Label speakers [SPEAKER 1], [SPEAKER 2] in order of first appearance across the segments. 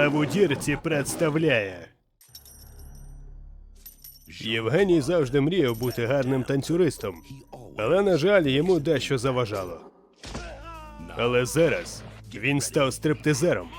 [SPEAKER 1] Лев у дірці представляє. Євгеній завжди мріяв бути гарним танцюристом, але, на жаль, йому дещо заважало. Але зараз він став стриптизером.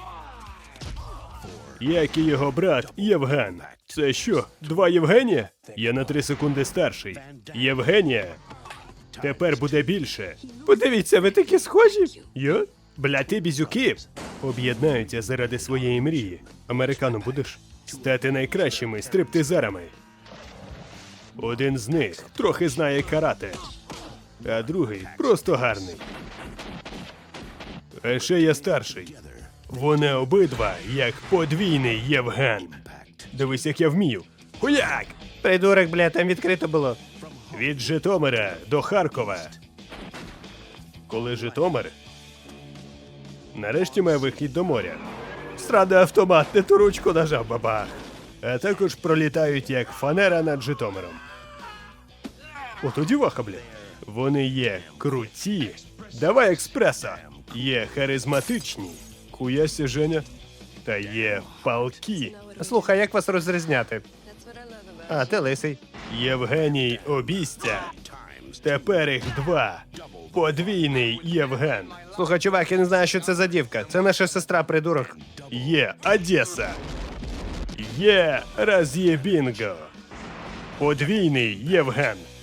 [SPEAKER 1] Як і його брат Євген. Це що, два Євгенія? Я на 3 секунди старший. Євгенія тепер буде більше. Подивіться, ви такі схожі. Я? Бля, ти бізюки. Об'єднаються заради своєї мрії. Американом будеш? Стати найкращими стриптизерами. Один з них трохи знає карате, а другий просто гарний. А ще я старший. Вони обидва як подвійний Євген. Дивись, як я вмію. Хуяк!
[SPEAKER 2] Придурок, бля, там відкрито було.
[SPEAKER 1] Від Житомира до Харкова. Коли Житомир нарешті має вихід до моря. Страда автомат, не ту ручку нажав, бабах. А також пролітають як фанера над Житомиром. Ото діваха, бля. Вони є круті. Давай експреса. Є харизматичні. Хуясі, Женя. Та є палкі.
[SPEAKER 2] Слухай, як вас розрізняти? А, ти лисий.
[SPEAKER 1] Євгеній Обістя. Тепер їх два. Подвійний Євген.
[SPEAKER 2] Слухай, чувак, я не знаю, що це за дівка. Це наша сестра, придурок.
[SPEAKER 1] Є Одеса. Є Раз'єбінго. Подвійний Євген.